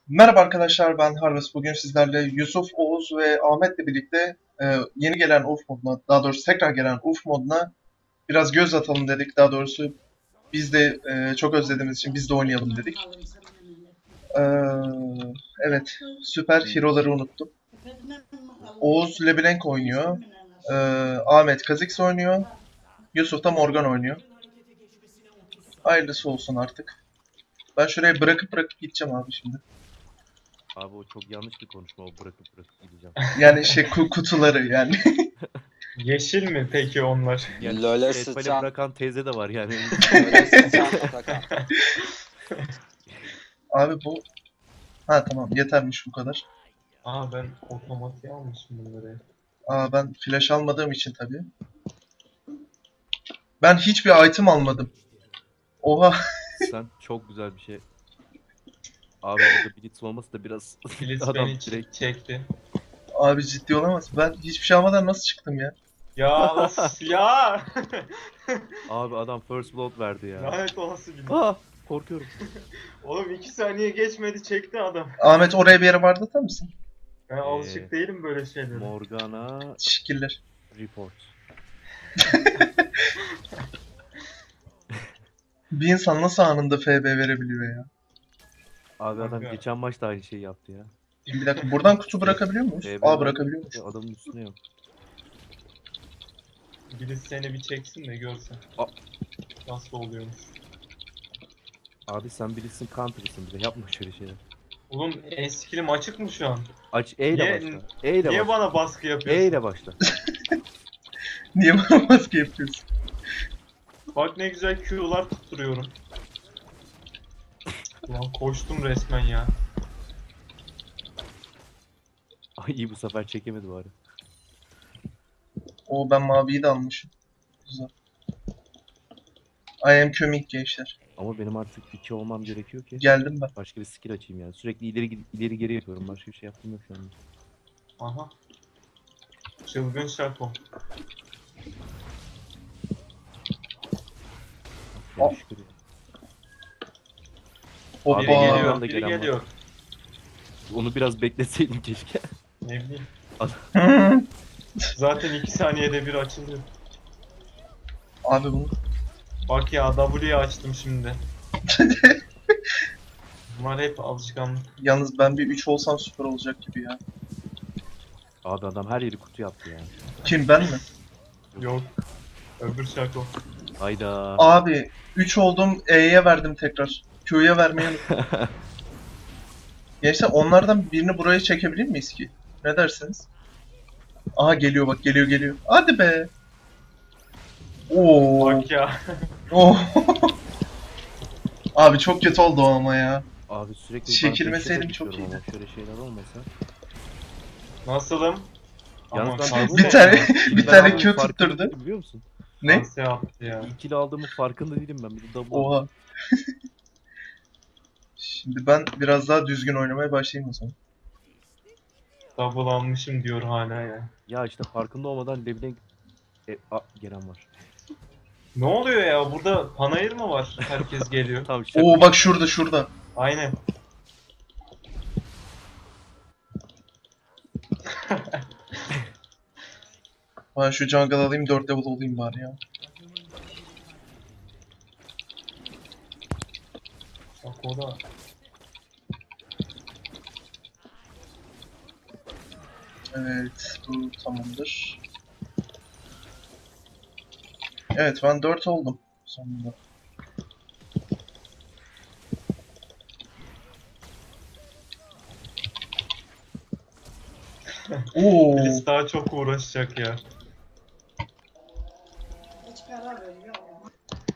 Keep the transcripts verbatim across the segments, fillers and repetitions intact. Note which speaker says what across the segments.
Speaker 1: Merhaba arkadaşlar, ben Harvest. Bugün sizlerle Yusuf, Oğuz ve Ahmet'le birlikte e, yeni gelen U F moduna, daha doğrusu tekrar gelen U F moduna biraz göz atalım dedik. Daha doğrusu biz de e, çok özlediğimiz için biz de oynayalım dedik. E, evet, süper hero'ları unuttum. Oğuz LeBlanc oynuyor, e, Ahmet Kha'Zix oynuyor, Yusuf da Morgan oynuyor. Hayırlısı olsun artık. Ben şuraya bırakıp bırakıp gideceğim abi şimdi.
Speaker 2: Abi o çok yanlış bir konuşma, o bırakıp bırakıp gideceğim.
Speaker 1: Yani şey ku- kutuları yani.
Speaker 3: Yeşil mi peki onlar?
Speaker 2: Yani
Speaker 4: LoL'e
Speaker 2: Şetpal'e
Speaker 4: sıçan,
Speaker 2: bırakan teyze de var yani.
Speaker 4: LoL'e sıçan Atakan.
Speaker 1: Abi bu... Ha tamam, yetermiş bu kadar.
Speaker 3: Aa ben otomatiğe almışım bunları.
Speaker 1: Aa, ben flash almadığım için tabii. Ben hiçbir item almadım. Oha.
Speaker 2: Sen çok güzel bir şey. Abi orada Blitz olması da biraz
Speaker 3: Filiz
Speaker 2: adam
Speaker 3: beni
Speaker 2: direkt
Speaker 3: çekti.
Speaker 1: Abi ciddi olamaz. Ben hiçbir şey almadan nasıl çıktım ya?
Speaker 3: Ya of ya!
Speaker 2: abi adam first blood verdi ya.
Speaker 3: Lanet olası bir.
Speaker 2: Aa, korkuyorum.
Speaker 3: Oğlum iki saniye geçmedi çekti adam.
Speaker 1: Ahmet oraya bir yere vardı atar mısın?
Speaker 3: Ben alışık değilim böyle şeylere.
Speaker 2: Morgana
Speaker 1: Teşekkürler.
Speaker 2: report.
Speaker 1: Bir insan nasıl anında F B verebiliyor ya?
Speaker 2: Abi adam
Speaker 3: Kanka.
Speaker 2: geçen maçta aynı şeyi yaptı ya.
Speaker 1: Şimdi bir dakika, buradan kutu bırakabiliyor muyuz?
Speaker 2: F B
Speaker 1: Aa,
Speaker 2: verdi,
Speaker 1: bırakabiliyormuş.
Speaker 2: adamın üstüne yok.
Speaker 3: Birisi seni bir çeksin de görsen.
Speaker 2: Aa.
Speaker 3: Nasıl oluyormuş.
Speaker 2: Abi sen Blitz'in counter'ısın, bir de yapma şöyle şeyler.
Speaker 3: Oğlum en skillim açık mı şu an?
Speaker 2: Aç E ile
Speaker 3: Niye-
Speaker 2: başla. E ile
Speaker 3: Niye
Speaker 2: başla.
Speaker 3: bana baskı yapıyorsun?
Speaker 2: E ile başla.
Speaker 1: Niye bana maske yapıyorsun?
Speaker 3: Bak ne güzel Q'lar tutturuyorum. Ulan koştum resmen ya.
Speaker 2: Ay iyi, bu sefer çekemedi bari.
Speaker 1: Oo, ben maviyi de almışım. Güzel. I am coming gençler.
Speaker 2: Ama benim artık iki olmam gerekiyor ki.
Speaker 1: Geldim ben.
Speaker 2: Başka bir skill açayım yani. Sürekli ileri gid- ileri geri yapıyorum. Başka bir şey yaptığım yok şu anda.
Speaker 3: Aha. Çılgın şako.
Speaker 1: Aa.
Speaker 2: Ya şükür ya.
Speaker 1: Hoppa.
Speaker 2: Abi,
Speaker 3: Biri
Speaker 2: Aa,
Speaker 3: geliyor,
Speaker 2: da
Speaker 3: biri
Speaker 2: gelen var.
Speaker 3: geliyor.
Speaker 2: Onu biraz bekleseydim keşke.
Speaker 3: Ne bileyim. Zaten iki saniyede bir açılıyor.
Speaker 1: Abi bunu...
Speaker 3: Bak ya W'yi açtım şimdi. Bunlar hep alışkanlık.
Speaker 1: Yalnız ben bir üç olsam süper olacak gibi ya.
Speaker 2: Abi adam her yeri kutu yaptı ya.
Speaker 1: Kim, ben mi?
Speaker 3: Yok. Öbür şako.
Speaker 2: Hayda.
Speaker 1: Abi üç oldum, E'ye verdim tekrar. Q'ya vermeyi unuttum. Gençler, onlardan birini buraya çekebilir miyiz ki? Ne dersiniz? Aha, geliyor bak, geliyor geliyor. Hadi be. Oo.
Speaker 3: Bak ya.
Speaker 1: Oo. Abi çok kötü oldu o ama ya.
Speaker 2: Abi sürekli
Speaker 1: Çekilmeseydim
Speaker 2: ben
Speaker 1: çok
Speaker 2: düşüyorum
Speaker 1: iyiydi.
Speaker 2: ama şöyle şeyler olmasa.
Speaker 3: Nasılım?
Speaker 2: Yalnız
Speaker 3: Aman
Speaker 2: ben
Speaker 3: şans-
Speaker 1: Bir tane
Speaker 2: İkili
Speaker 1: bir tane
Speaker 2: aldığımın
Speaker 1: Q
Speaker 2: farkında
Speaker 1: tutturdu.
Speaker 2: değilim, biliyor musun?
Speaker 1: Ne?
Speaker 3: şans yaptı ya.
Speaker 2: İkili aldığımın farkında değilim ben. Bir de double aldım.
Speaker 1: Oha. Şimdi ben biraz daha düzgün oynamaya başlayayım o zaman.
Speaker 3: Double almışım diyor hala ya.
Speaker 2: Ya işte farkında olmadan Leblanc e, a, gelen var.
Speaker 3: Ne oluyor ya? Burada panayır mı var? Herkes geliyor.
Speaker 2: Tamam şaka.
Speaker 1: Oo, bak şurada şurada.
Speaker 3: Aynen.
Speaker 1: Ben şu jungle alayım, dört level olayım bari ya.
Speaker 3: Bak o da.
Speaker 1: Evet, bu tamamdır. Evet, ben dört oldum sonunda. Oo.
Speaker 3: Filiz daha çok uğraşacak ya.
Speaker 5: Hiç karar veriyor ama.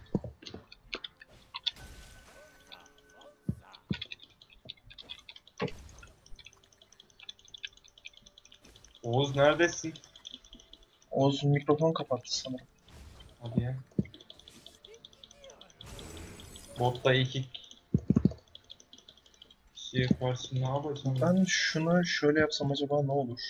Speaker 3: Oğuz neredesin?
Speaker 1: Oğuz mikrofon kapattı sanırım.
Speaker 3: Hadi ya. Botta iki kişiye karşı ne yapacağım?
Speaker 1: Ben şunu şöyle yapsam acaba ne olur?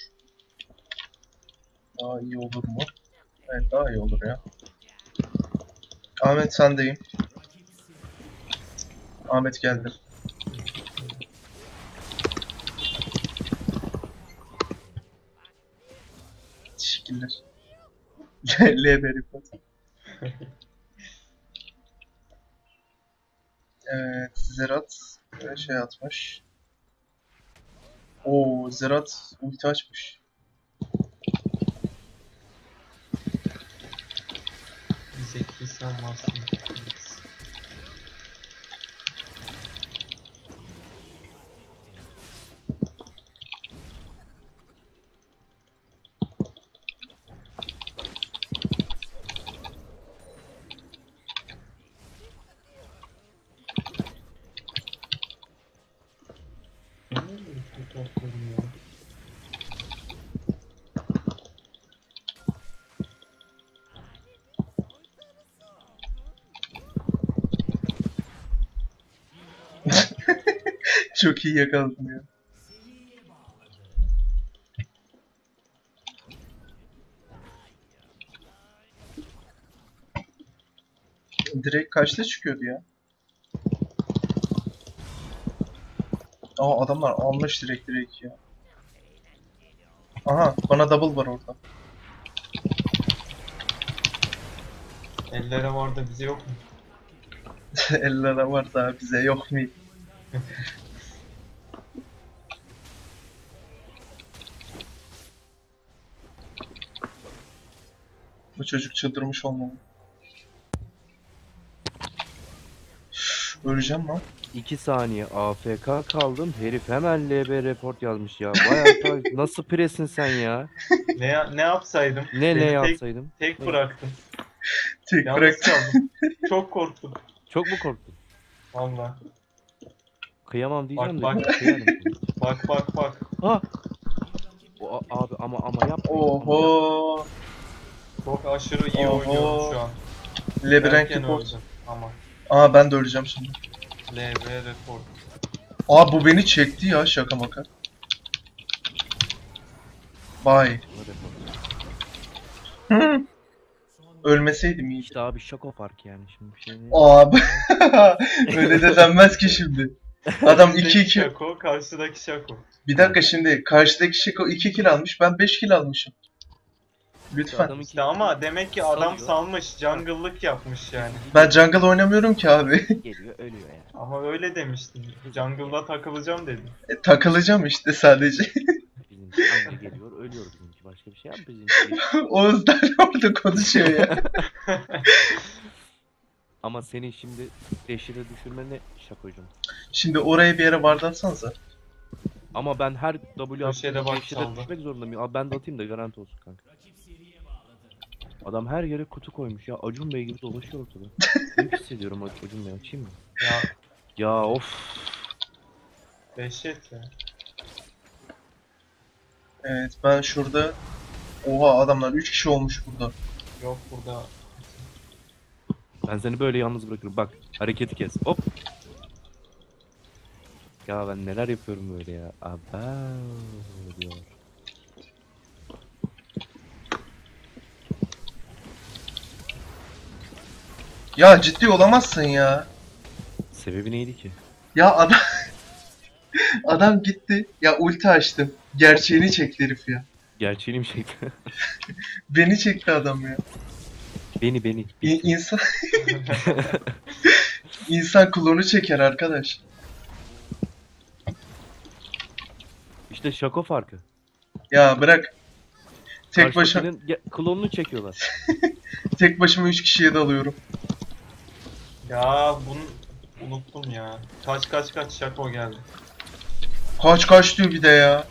Speaker 1: Daha iyi olur mu? Evet, daha iyi olur ya. Ahmet, sendeyim. Ahmet geldi. skiller. L B report. Evet, Zerat e, şey atmış. Oo, Zerat ulti açmış.
Speaker 3: Zeki sen varsın.
Speaker 1: Çok iyi yakaladım ya. Direkt kaçta çıkıyordu ya? Aa, adamlar almış direkt direkt ya. Aha, bana double var orada.
Speaker 3: Ellere var da bize yok mu?
Speaker 1: Ellere var da bize yok mu? Bu çocuk çıldırmış olmalı. Üf, öleceğim lan.
Speaker 2: iki saniye A F K kaldım. Herif hemen L B report yazmış ya. Vay arkadaş nasıl presin sen ya?
Speaker 3: Ne ya- ne yapsaydım?
Speaker 2: Ne
Speaker 3: Beni
Speaker 2: ne
Speaker 3: tek,
Speaker 2: yapsaydım?
Speaker 3: tek
Speaker 2: Ne?
Speaker 3: bıraktım.
Speaker 1: Tek
Speaker 3: Yalnız
Speaker 1: bıraktım.
Speaker 3: kaldım. Çok korktum.
Speaker 2: Çok mu korktun?
Speaker 3: Valla.
Speaker 2: Kıyamam diyeceğim
Speaker 3: Bak,
Speaker 2: de.
Speaker 3: bak.
Speaker 2: Kıyarım.
Speaker 3: Bak bak bak.
Speaker 2: Ha! O, a- abi ama ama yapma.
Speaker 1: Oho.
Speaker 3: Çok aşırı iyi
Speaker 1: Oho.
Speaker 3: oynuyorum şu an.
Speaker 1: Labirent
Speaker 3: Erken
Speaker 1: report.
Speaker 3: öldüm ama.
Speaker 1: Aa, ben de öleceğim şimdi.
Speaker 3: L B report.
Speaker 1: Aa, bu beni çekti ya, şaka maka. Bye. Hı. Ölmeseydim iyi.
Speaker 2: İşte abi şako fark yani şimdi bir şey değil.
Speaker 1: Abi. Öyle de denmez ki şimdi. Adam iki iki.
Speaker 3: Şako, karşıdaki şako.
Speaker 1: Bir dakika, şimdi karşıdaki Şiko iki kill almış, ben beş kill almışım. Lütfen.
Speaker 2: Adam iki-
Speaker 3: İşte ama demek ki adam
Speaker 2: Salıyor.
Speaker 3: salmış, jungle'lık yapmış yani.
Speaker 1: Ben jungle oynamıyorum ki abi.
Speaker 2: Geliyor ölüyor yani.
Speaker 3: Ama öyle demiştin. Jungle'da takılacağım dedin.
Speaker 1: E, takılacağım işte sadece.
Speaker 2: Bizimki anca geliyor ölüyor bizimki. Başka bir şey yap bizimki.
Speaker 1: Oğuzlar orada konuşuyor ya.
Speaker 2: Ama senin şimdi deşire düşürme ne şakocum.
Speaker 1: Şimdi oraya bir yere vardatsanıza.
Speaker 2: Ama ben her W
Speaker 3: Köşede
Speaker 2: attığımda
Speaker 3: bak
Speaker 2: deşire
Speaker 3: çaldı.
Speaker 2: düşmek zorundayım. Abi ben de atayım da garanti olsun kanka. Adam her yere kutu koymuş ya. Acun Bey gibi dolaşıyor ortada. Ne hissediyorum Acun Bey, açayım mı?
Speaker 3: Ya
Speaker 2: Ya of.
Speaker 3: dehşet ya.
Speaker 1: Evet, ben şurada... Oha, adamlar üç kişi olmuş burada.
Speaker 3: Yok burada.
Speaker 2: Ben seni böyle yalnız bırakırım. Bak hareketi kes. Hop. Ya ben neler yapıyorum böyle ya. Aba diyor.
Speaker 1: Ya ciddi olamazsın ya.
Speaker 2: Sebebi neydi ki?
Speaker 1: Ya adam... adam gitti. Ya ulti açtım. Gerçeğini çekti herif ya.
Speaker 2: Gerçeğini mi çekti?
Speaker 1: Beni çekti adam ya.
Speaker 2: beni beni.
Speaker 1: İ- insan... İnsan klonu çeker arkadaş.
Speaker 2: İşte şako farkı.
Speaker 1: Ya bırak. Tek başıma
Speaker 2: Karşıdakinin ge- klonunu çekiyorlar.
Speaker 1: tek başıma üç kişiye dalıyorum.
Speaker 3: Ya bunu unuttum ya. Kaç kaç kaç şako geldi.
Speaker 1: Kaç kaç diyor bir de ya.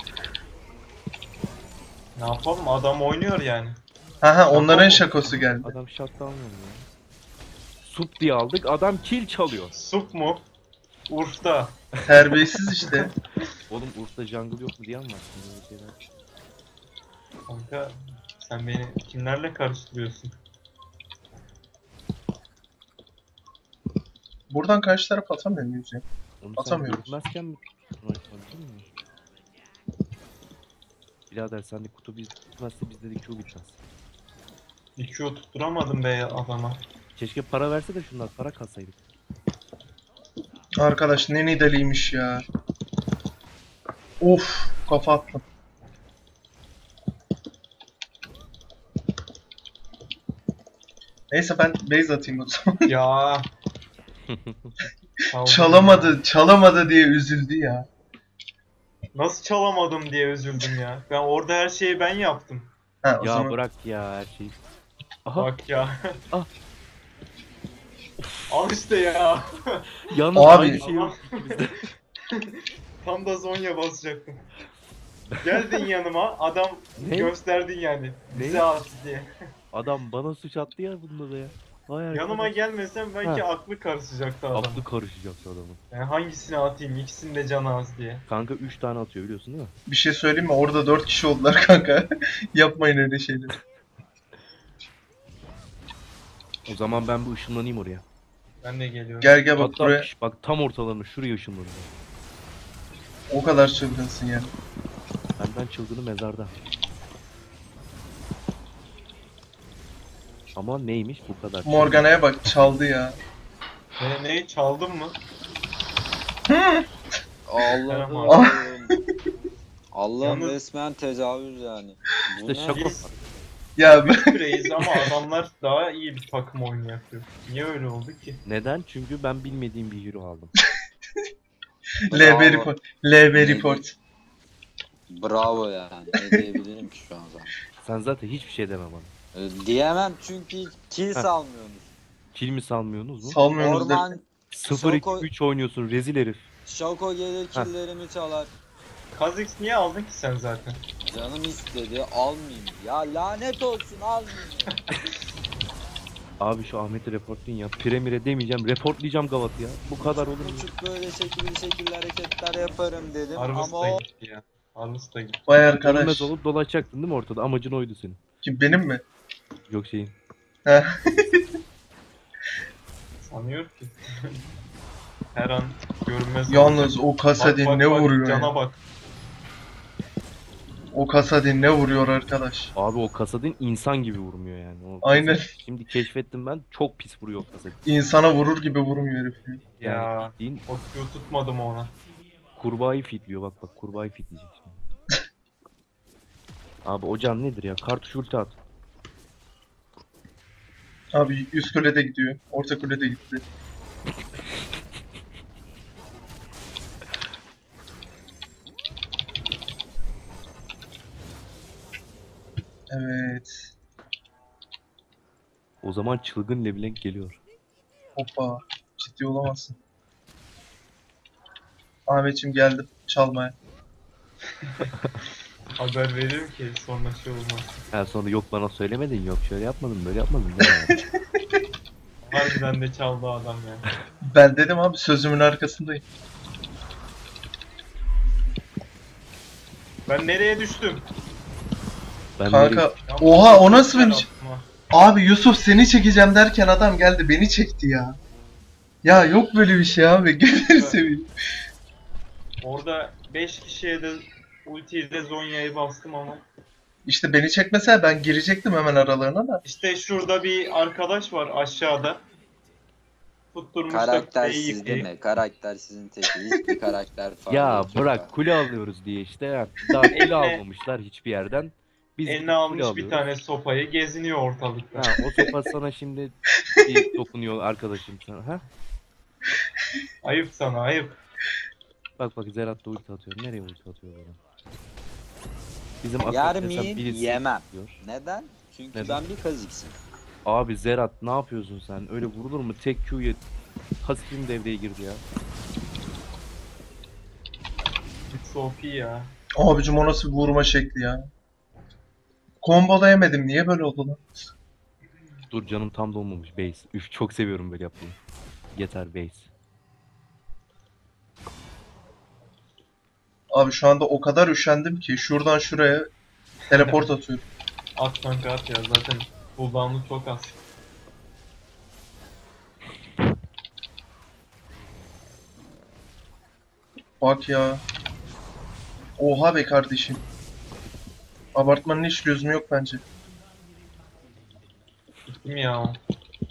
Speaker 3: Ne yapalım, adam oynuyor yani.
Speaker 1: Haha, onların
Speaker 2: Tamam.
Speaker 1: şakosu geldi.
Speaker 2: Adam shutdown oldu ya. Sup diye aldık. Adam kill çalıyor.
Speaker 3: Sup mu? Urf'ta.
Speaker 1: Terbiyesiz işte.
Speaker 2: Oğlum Urf'ta jungle yok mu diyen var. Şimdi öyle şeyler.
Speaker 3: Kanka sen beni kimlerle karıştırıyorsun?
Speaker 1: Buradan karşı taraf atamıyor muyuz ya?
Speaker 2: Onu sen
Speaker 1: Atamıyoruz.
Speaker 2: görmezken mi tutmayı mi? Birader sen de kutu biz tutmazsa bizde de Q bitmez.
Speaker 3: Bir Q tutturamadım be adama.
Speaker 2: Keşke para verse de şunlar para katsaydık.
Speaker 1: Arkadaş ne nideliymiş ya. Of, kafa attım. Neyse ben base atayım o zaman.
Speaker 3: Ya. Çaldım.
Speaker 1: Çalamadı, çalamadı diye üzüldü ya.
Speaker 3: Nasıl çalamadım diye üzüldüm ya. Ben orada her şeyi ben yaptım.
Speaker 1: Ha o
Speaker 2: Ya
Speaker 1: zaman
Speaker 2: bırak ya her şeyi. Aha
Speaker 3: Bak ya.
Speaker 2: Ah.
Speaker 3: Al işte ya.
Speaker 2: yalnız
Speaker 1: Abi.
Speaker 2: aynı şey yok ikimizde.
Speaker 3: Tam da Zonya basacaktım. Geldin yanıma, adam
Speaker 2: Ne?
Speaker 3: gösterdin yani.
Speaker 2: Ne?
Speaker 3: Bize at diye.
Speaker 2: Adam bana suç attı ya bunda da ya. Vay
Speaker 3: Yanıma
Speaker 2: arkadaş.
Speaker 3: gelmesen belki
Speaker 2: Ha.
Speaker 3: aklı karışacaktı adam.
Speaker 2: Aklı karışacaktı adamın.
Speaker 3: Yani hangisini atayım, ikisinin de canı az diye.
Speaker 2: Kanka üç tane atıyor biliyorsun değil mi?
Speaker 1: bir şey söyleyeyim mi? Orada dört kişi oldular kanka. Yapmayın öyle şeyleri.
Speaker 2: O zaman ben bu ışınlanayım oraya.
Speaker 3: Ben de geliyorum.
Speaker 1: Gel gel bak
Speaker 2: Hatta
Speaker 1: buraya.
Speaker 2: şş, bak tam ortalarına şuraya ışınlanıyor.
Speaker 1: O kadar çılgınsın yani.
Speaker 2: Benden çılgını mezarda. Ama neymiş bu kadar?
Speaker 1: Morgana'ya bak çaldı ya.
Speaker 3: Ne, ne çaldın mı?
Speaker 4: Allah'ım.
Speaker 1: Ah.
Speaker 4: Allah'ım
Speaker 3: Yalnız-
Speaker 4: resmen tecavüz yani. Bu
Speaker 2: İşte
Speaker 4: ne?
Speaker 2: şaka.
Speaker 3: Biz
Speaker 1: Ya ben-
Speaker 3: küreyiz ama adamlar daha iyi bir takım oyunu yapıyor. Niye öyle oldu ki?
Speaker 2: Neden? Çünkü ben bilmediğim bir hero aldım.
Speaker 1: L B
Speaker 4: Bravo.
Speaker 1: report. L B report.
Speaker 4: Bravo yani. Ne diyebilirim ki şu an zaten.
Speaker 2: Sen zaten hiçbir şey deme bana.
Speaker 4: Ee, Diyemem çünkü kill
Speaker 2: Heh.
Speaker 4: salmıyorsunuz.
Speaker 2: Kill mi salmıyorsunuz mu?
Speaker 1: Salmıyorsunuz der.
Speaker 4: Orman
Speaker 2: sıfır iki
Speaker 4: Şoko-
Speaker 2: üç oynuyorsun rezil herif.
Speaker 4: Şoko gelir killerimi çalar.
Speaker 3: Kha'Zix niye aldın ki sen zaten?
Speaker 4: Canım istedi almayayım. Ya lanet olsun almayayım.
Speaker 2: Abi şu Ahmet'i reportlayın ya. Premier'e demeyeceğim. Reportlayacağım Gavat'ı ya. Bu kadar olur mu?
Speaker 4: Uçup böyle şekilli şekilli hareketler yaparım dedim
Speaker 3: Harvest
Speaker 4: ama
Speaker 3: da
Speaker 4: o
Speaker 3: gitti ya. Harvest da gitti.
Speaker 1: Vay
Speaker 2: Görünmez
Speaker 1: arkadaş.
Speaker 2: olup dolaşacaktın değil mi ortada? Amacın oydu senin.
Speaker 1: Kim benim mi?
Speaker 2: Yok şeyin.
Speaker 1: Heh.
Speaker 3: Sanıyor ki. Her an görünmez.
Speaker 1: Yalnız o
Speaker 3: Bak,
Speaker 1: Kasadin
Speaker 3: bak,
Speaker 1: ne
Speaker 3: bak,
Speaker 1: vuruyor
Speaker 3: Cana
Speaker 1: ya.
Speaker 3: bak.
Speaker 1: O Kasadin ne vuruyor arkadaş.
Speaker 2: Abi o Kasadin insan gibi vurmuyor yani. O
Speaker 1: Aynen.
Speaker 2: Kasadin- Şimdi keşfettim ben. Çok pis vuruyor Kasadin.
Speaker 1: İnsana vurur gibi vurmuyor herif. ya.
Speaker 2: Yani
Speaker 3: Ya.
Speaker 2: bildiğin
Speaker 3: O Q tutmadım ona.
Speaker 2: kurbağayı fitliyor. Bak bak kurbağayı fitleyecek şimdi. Abi o can nedir ya? Kartuş ulti at.
Speaker 1: Abi üst kulede gidiyor. Orta kulede gitti. Evet.
Speaker 2: O zaman çılgın Leblanc geliyor.
Speaker 1: Hoppa. Ciddi olamazsın. Ahmetciğim geldim çalmaya.
Speaker 3: Haber veririm ki sonra şey olmaz.
Speaker 2: Ha sonra yok bana söylemedin, yok şöyle yapmadın, böyle yapmadın. Ya.
Speaker 3: Harbiden de çaldı adam ya.
Speaker 1: Ben dedim abi sözümün arkasındayım.
Speaker 3: Ben nereye düştüm?
Speaker 2: Ben
Speaker 1: Kanka
Speaker 2: nereye-
Speaker 3: Ya,
Speaker 1: oha o nasıl
Speaker 3: ben
Speaker 1: bir...
Speaker 3: atma.
Speaker 1: Abi Yusuf seni çekeceğim derken adam geldi beni çekti ya. Ya yok böyle bir şey abi. Gözünü seveyim.
Speaker 3: Orada beş kişiye de ultiyi de Zonya'yı bastım ama.
Speaker 1: İşte beni çekmese ben girecektim hemen aralarına da.
Speaker 3: İşte şurada bir arkadaş var aşağıda. Tutturmuş da
Speaker 4: karaktersiz
Speaker 3: kuleyi
Speaker 4: değil
Speaker 3: yıkayıp.
Speaker 4: mi? Karakter sizin teki. Hiçbir karakter falan
Speaker 2: Ya
Speaker 4: yok
Speaker 2: bırak kule alıyoruz diye işte ya. Daha kule
Speaker 3: Eline-
Speaker 2: almamışlar hiçbir yerden. Biz gidip
Speaker 3: Eline
Speaker 2: kule
Speaker 3: almış bir
Speaker 2: alıyoruz.
Speaker 3: tane sopayı geziniyor ortalıkta.
Speaker 2: Ha, o sopa sana şimdi bir dokunuyor arkadaşım sana. Ha?
Speaker 3: Ayıp sana ayıp.
Speaker 2: Bak bak Zerat da ulti atıyor. Nereye ulti atıyor bana? Bizim
Speaker 4: Yer
Speaker 2: akıl desem
Speaker 4: miyim?
Speaker 2: birisi
Speaker 4: Yemem.
Speaker 2: diyor.
Speaker 4: Neden? Çünkü
Speaker 2: Neden?
Speaker 4: ben bir kaziksim.
Speaker 2: Abi Zerat ne yapıyorsun sen? Öyle vurulur mu? Tek Q'ya pasifim devreye girdi ya.
Speaker 3: It's O P ya.
Speaker 1: Abicim o nasıl bir vurma şekli ya. Kombolayamadım niye böyle oldu lan?
Speaker 2: Dur canım tam dolmamış base. Üf çok seviyorum böyle yapmayı. Yeter base.
Speaker 1: Abi şu anda o kadar üşendim ki şuradan şuraya teleport atıyorum.
Speaker 3: At kanka at ya zaten cooldown'u çok az.
Speaker 1: Bak ya. Oha be kardeşim. Abartmanın hiç lüzumu yok bence.
Speaker 3: Gittim ya o.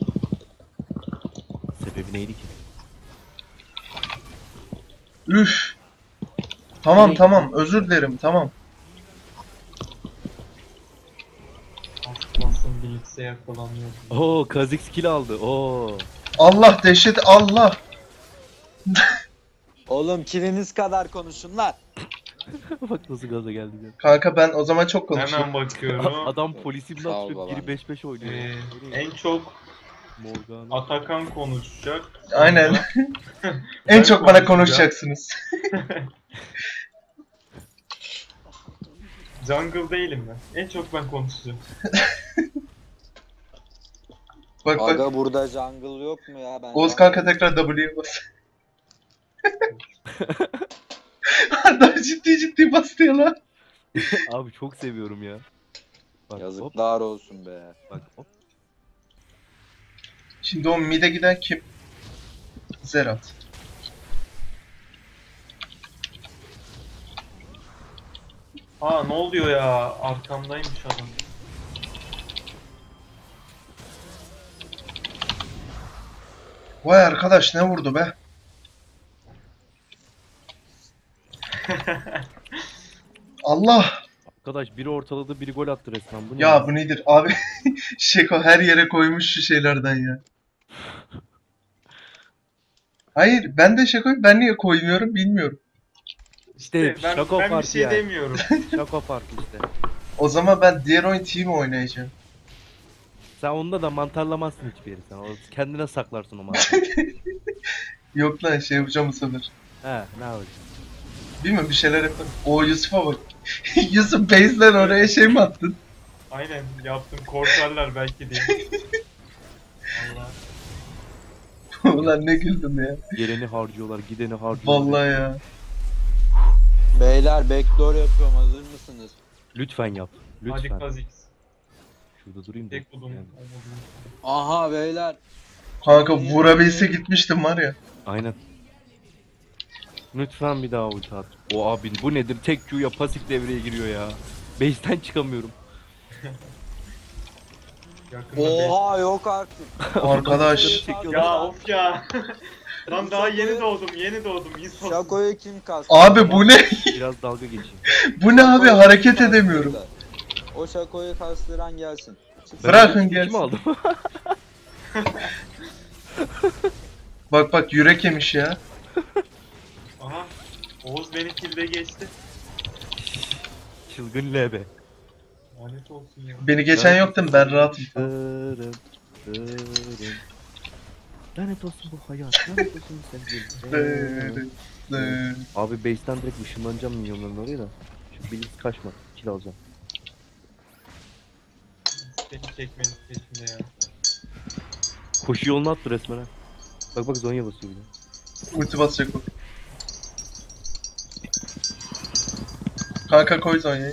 Speaker 2: Sebebi neydi ki?
Speaker 1: Üf. Tamam
Speaker 2: Ne?
Speaker 1: tamam özür dilerim tamam.
Speaker 3: Aslansın Blitz. Kimse yakalanmıyor.
Speaker 2: Oo Kha'Zix kill aldı. Oo.
Speaker 1: Allah dehşet Allah.
Speaker 4: Oğlum kiliniz kadar konuşun lan.
Speaker 2: Bak nasıl gaza geldi ya.
Speaker 1: Kanka ben o zaman çok konuşurum.
Speaker 3: Hemen bakıyorum.
Speaker 2: Adam polisimle
Speaker 4: Sağ ol
Speaker 2: atıyor.
Speaker 4: babam.
Speaker 2: Biri beş beş oynuyor.
Speaker 3: Ee,
Speaker 2: Nereye?
Speaker 3: en çok
Speaker 2: Morgan.
Speaker 3: Atakan konuşacak.
Speaker 1: Aynen.
Speaker 3: Sonra
Speaker 1: En
Speaker 3: ben
Speaker 1: çok bana
Speaker 3: konuşacağım.
Speaker 1: konuşacaksınız.
Speaker 3: Jungle değilim ben. En çok ben konuşacağım.
Speaker 1: Bak bak.
Speaker 4: Aga burada jungle yok mu ya? Ben
Speaker 1: Oğuz
Speaker 4: jungle-
Speaker 1: kanka tekrar W'ye bas. Adam ciddi ciddi bastı ya lan.
Speaker 2: Abi çok seviyorum ya. Bak hop
Speaker 4: Yazıklar olsun be.
Speaker 2: bak hop.
Speaker 1: Şimdi o mid'e giden kim? Zerat.
Speaker 3: Aa ne oluyor ya? Arkamdaymış adam.
Speaker 1: Vay arkadaş ne vurdu be? Allah!
Speaker 2: Arkadaş biri ortaladı biri gol attı resmen. Bu ne?
Speaker 1: Ya bu nedir? Abi Şeko her yere koymuş şu şeylerden ya. Hayır ben de Şeko'yu ben niye koymuyorum bilmiyorum.
Speaker 2: İşte
Speaker 3: ben,
Speaker 2: şaka
Speaker 3: ben bir
Speaker 2: farkı
Speaker 3: şey
Speaker 2: ya.
Speaker 3: demiyorum.
Speaker 2: Şaka farkı işte.
Speaker 1: O zaman ben diğer oyun team oynayacağım.
Speaker 2: Sen onda da mantarlamazsın hiçbir yeri sen. O kendine saklarsın o mantarı.
Speaker 1: Yok lan şey yapacağım bu sefer.
Speaker 2: He ne yapacaksın?
Speaker 1: Bilmiyorum bir şeyler yaparım. O Yusuf'a bak. Yusuf base'den oraya şey mi attın?
Speaker 3: Aynen yaptım. Korkarlar belki diye. Allah.
Speaker 1: Ulan ne güldüm ya.
Speaker 2: Geleni harcıyorlar, gideni harcıyorlar.
Speaker 1: Vallahi ya.
Speaker 4: Beyler backdoor yapıyorum, hazır mısınız?
Speaker 2: Lütfen yap.
Speaker 3: Hadi
Speaker 2: Lütfen.
Speaker 3: Kha'Zix.
Speaker 2: Şurada durayım da.
Speaker 3: Tek budum.
Speaker 2: Yani.
Speaker 4: Aha beyler.
Speaker 1: Kanka vurabilse gitmiştim var ya.
Speaker 2: Aynen. Lütfen bir daha ulti at. O abi bu nedir? Tek Q'ya pasif devreye giriyor ya. Base'ten çıkamıyorum.
Speaker 3: Yakında be-
Speaker 4: Oha yok artık.
Speaker 1: Arkadaş.
Speaker 2: Çekiyorlar.
Speaker 3: Ya of ya. Lan daha yeni doğdum, yeni doğdum. İnsan.
Speaker 4: Şakoyu kim kastı?
Speaker 1: Abi bu ne?
Speaker 2: Biraz dalga geçeyim.
Speaker 1: Bu ne abi hareket edemiyorum.
Speaker 4: O şakoyu kastıran gelsin. Çıksın.
Speaker 1: Bırakın
Speaker 2: Kim
Speaker 1: gelsin.
Speaker 2: aldım?
Speaker 1: Bak bak yürek yemiş ya.
Speaker 3: Aha. Oğuz beni kilde geçti.
Speaker 2: Çılgın L B.
Speaker 3: Lanet olsun ya.
Speaker 1: Beni geçen yoktum ben rahatım.
Speaker 2: Dırım, dırım. Lanet olsun bu hayat. Lanet olsun sevgilim.
Speaker 1: Dı, dı.
Speaker 2: Abi base'ten direkt ışınlanacağım milyonların oraya da. Şu Blitz kaçma. Kill alacağım.
Speaker 3: Beni çekmenin peşinde ya.
Speaker 2: Koşu yolunu attı resmen ha. Bak bak Zonya basıyor bir de.
Speaker 1: Ulti basacak o. Kanka koy Zonya'yı.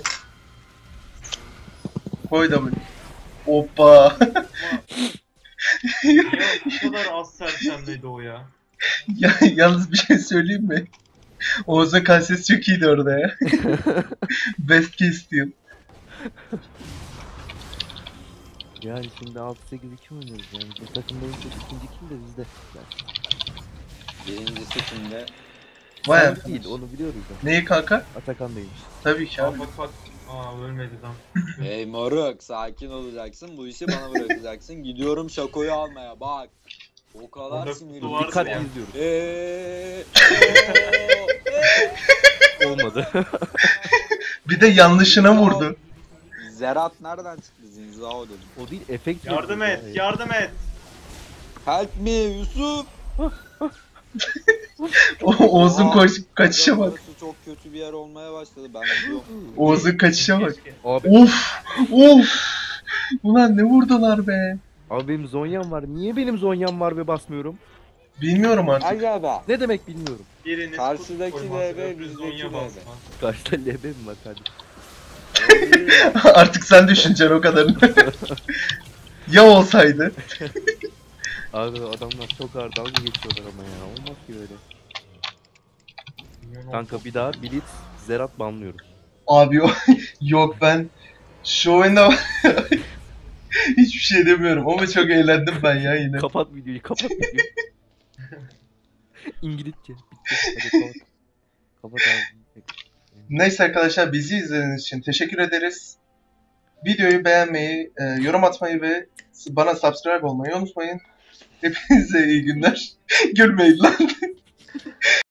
Speaker 1: Koy da böyle. Hoppa.
Speaker 3: Niye bu kadar az sersemledi o ya?
Speaker 1: Ya, yalnız bir şey söyleyeyim mi? Oğuz'un kalsesi çok iyiydi orada ya. Best case diyor.
Speaker 2: Yani şimdi altı sekiz iki oynuyoruz yani. Bu takımda en çok ikinci kill de bizde. Yani
Speaker 4: Birincisi kimde?
Speaker 1: Vay
Speaker 2: sen
Speaker 1: arkadaş.
Speaker 2: değil onu biliyoruz ya.
Speaker 1: Neyi kanka?
Speaker 2: Atakan değilmiş.
Speaker 1: Tabii ki
Speaker 3: Aa
Speaker 1: abi.
Speaker 3: bak bak. Aa ölmedi lan.
Speaker 4: Hey moruk, sakin olacaksın, bu işi bana bırakacaksın. Gidiyorum şakoyu almaya, bak. O kadar
Speaker 3: Orada
Speaker 4: sinirli.
Speaker 3: kutu vardı
Speaker 2: Dikkatli
Speaker 3: ya.
Speaker 2: izliyoruz.
Speaker 4: Eee.
Speaker 2: Olmadı.
Speaker 1: Bir de yanlışına vurdu.
Speaker 4: Zerat nereden çıktı? Zinzao dedim.
Speaker 2: O değil efekt.
Speaker 3: Yardım
Speaker 2: veriyor
Speaker 3: et,
Speaker 2: ya.
Speaker 3: yardım et.
Speaker 4: Help me Yusuf.
Speaker 1: O Oğuz'un
Speaker 4: Aa,
Speaker 1: koş kaçışa
Speaker 4: aga,
Speaker 1: bak.
Speaker 4: burası çok kötü bir yer olmaya başladı. Ben gidiyorum.
Speaker 1: Oğuz'un kaçışa bak.
Speaker 3: Keşke.
Speaker 2: Abi,
Speaker 1: Of! Of! Ulan ne vurdular be.
Speaker 2: abi benim Zonya'm var. Niye benim Zonya'm var ve basmıyorum?
Speaker 1: Bilmiyorum artık.
Speaker 4: Aga be.
Speaker 2: Ne demek bilmiyorum.
Speaker 3: Biriniz
Speaker 4: Karşıdaki
Speaker 3: kutu koymaz,
Speaker 4: L B,
Speaker 3: öbürü
Speaker 4: bizdeki
Speaker 3: Zonya
Speaker 4: L B.
Speaker 3: basmaz.
Speaker 2: Karşıda L B mi var kardeşim?
Speaker 1: Artık sen düşüneceksin o kadarını. Ya olsaydı.
Speaker 2: Abi adamlar çok ağır dalga geçiyorlar ama ya. Olmaz ki öyle.
Speaker 3: Bilmiyorum.
Speaker 2: Kanka bir daha Blitz, Zerat banlıyoruz.
Speaker 1: Abi yok, yok ben şu oyunda hiçbir şey demiyorum ama çok eğlendim ben ya yine.
Speaker 2: Kapat videoyu, kapat videoyu. İngilizce. Bitti. Hadi kapat. Kapat abi.
Speaker 1: Neyse arkadaşlar bizi izlediğiniz için teşekkür ederiz. videoyu beğenmeyi, e, yorum atmayı ve bana subscribe olmayı unutmayın. Hepinize iyi günler. Gülmeyin lan.